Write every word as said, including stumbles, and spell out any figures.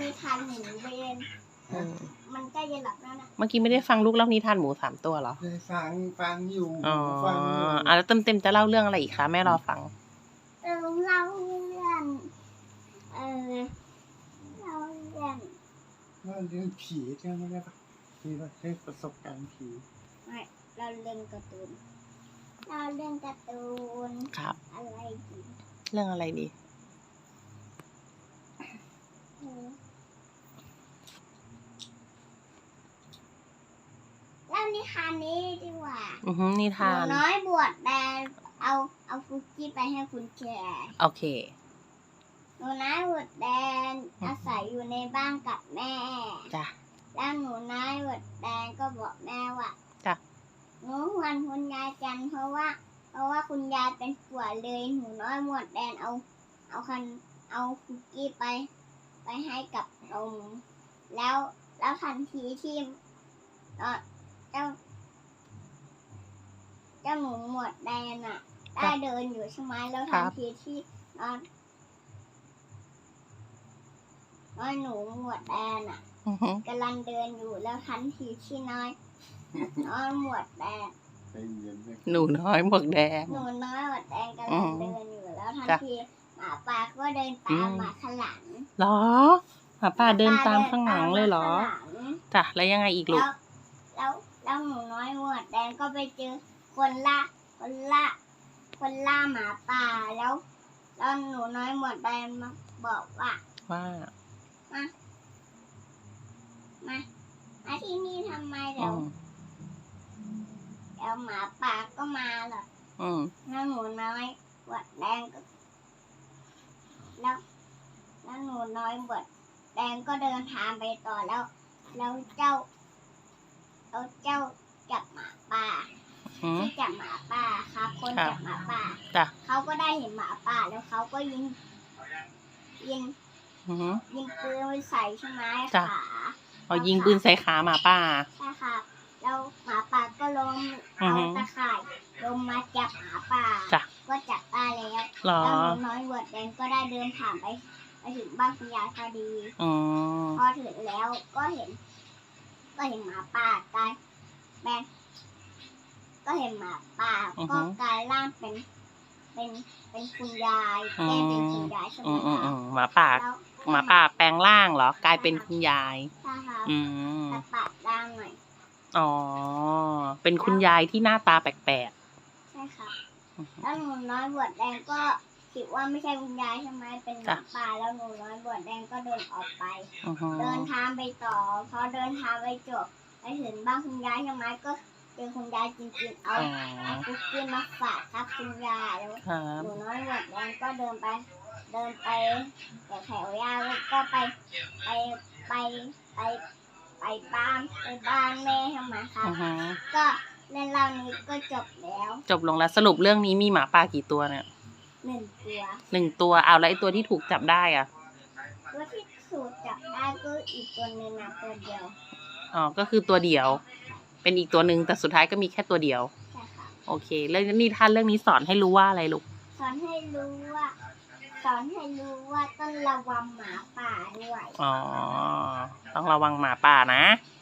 นิทานหมูเบนอืมมันใกล้จะหลับแล้วนะเมื่อกี้ไม่ได้ฟังลูกเล่านิทานหมูสามตัวเหรอได้ฟังฟังอยู่อ๋อฟังอยู่อ่ะแล้วเต็มเต็มๆจะเล่าเรื่องอะไรอีกคะแม่รอฟังเออเล่าเรื่องเออเล่าเรื่องว่าเรื่องผีใช่ไหมได้ปะที่ว่าได้ประสบการณ์ผีไม่เราเรื่องการ์ตูนเราเรื่องการ์ตูนครับอะไรดีเรื่องอะไรดีเออเล่านิทานนี้ดีกว่าอือฮึนิหนูทานน้อยบวชแดงเอาเอาคุกกี้ไปให้คุณแชร์โอเคหนูน้อยบวชแดงอาศัยอยู่ในบ้านกับแม่จ้ะแล้วหนูน้อยบวชแดงก็บอกแม่ว่าจ้ะหนูหวนคุณยายจันเพราะว่า เพราะว่าคุณยายเป็นป่วยเลยหนูน้อยบวชแดงเอาเอาคันเอาคุกกี้ไป ไปให้กับนมแล้วแล้วทันทีที่เอ่อเจ้า เจ้าหนูหมวดแดงอ่ะ ได้เดินอยู่ใช่ไหมแล้วทันทีที่นอนน้อยหนูหมวดแดงอ่ะอือฮึกำลังเดินอยู่แล้วทันทีที่น้อยน้อยหมวดแดงใจเย็นเลยหนูน้อยหมวกแดงหนูน้อยหมวดแดงกำลังเดินอยู่แล้วทันจ้ะทีหมาป่าก็เดินตามมาข้างหลังเหรอหมาป่าเดินตามข้างหลังเลยเหรอข้างหลังจ้ะแล้วยังไงอีกลูแล้กวแล้วแล้วหนูน้อยหมวดแดงก็ไปเจอคนละคนละคนล่าหมาป่าแล้วแล้วหนูน้อยหมวดแดงมาบอกว่าว่ามามามาที่นี่ทำไมอืเดี๋ยวมเดี๋ยวหมาป่าก็มาหรอกอืมแล้วหนูน้อยหมวดแดงก็แล้วแล้วหนูน้อยหมวดแดงก็เดินทางไปต่อแล้ว แล้วเจ้าแล้วเจ้าจับหมาป่าอืมที่จับหมาป่าครับคนครับจับหมาป่าจ้ะเขาก็ได้เห็นหมาป่าแล้วเขาก็ยิงยิงอือฮึยิงปืนไปใส่ใช่ไหมจ้ะขาเอายิงปืนใส่ขาหมาป่าใช่ค่ะแล้วหมาป่าก็ล้มอือเอาฮึตะข่ายลงมาจับหมาป่าจ้ะก็จับได้แล้วเหรอแล้วหนูน้อยเวิร์ดแดงก็ได้เดินผ่านไปไปถึงบ้านคุณยายพอดีอืมพอถึงแล้วก็เห็น ก็เห็นหมาป่ากลายแปลงก็เห็นหมาป่าอือฮึก็กลายร่างเป็น เป็นเป็นคุณยายแก้เป็นคุณยายใช่ไหมอืมอืมคะอืมหมาป่าแล้วหมาป่าแปลงร่างเหรอ กลายเป็นคุณยายใช่ค่ะอืมแต่ปากด้านหน่อยอ๋อ เป็นคุณยายที่หน้าตาแปลกใช่ค่ะๆอือฮึแล้วหนูน้อยบวชแดงก็คิดว่าไม่ใช่คุณยายใช่ไหมเป็นหมาจ้ะป่าแล้วหนูน้อยบวชแดงก็เดินออกไปอือฮึเดินทางไปต่อพอเดินทางไปจบไปถึงบ้านคุณยายใช่ไหมก็เจอคุณยายจริงๆเอาอ๋อเอาคุกกี้มาฝากครับคุณยายแล้วครับหนูน้อยบวชแดงก็เดินไป เดินไปแต่แถวยาวแล้วก็ไปไปไปไปไปบ้านไปบ้านแม่ใช่ไหมครับอือฮึก็เรื่องราวนี้ก็จบแล้วจบลงแล้วสรุปเรื่องนี้มีหมาป่ากี่ตัวเนี่ยหนึ่งตัวหนึ่งตัวเอาแล้วไอ้ตัวที่ถูกจับได้อ่ะตัวที่สูตรจับได้ก็อีกตัวหนึ่งนะตัวเดียวอ๋อ ก็คือตัวเดียว เป็นอีกตัวหนึ่งแต่สุดท้ายก็มีแค่ตัวเดียวใช่ค่ะโอเคเรื่องนี้ท่านเรื่องนี้สอนให้รู้ว่าอะไรลูกสอนให้รู้ว่า สอนให้รู้ว่าต้องระวังหมาป่าด้วยอ๋อ ต้องระวังหมาป่านะใ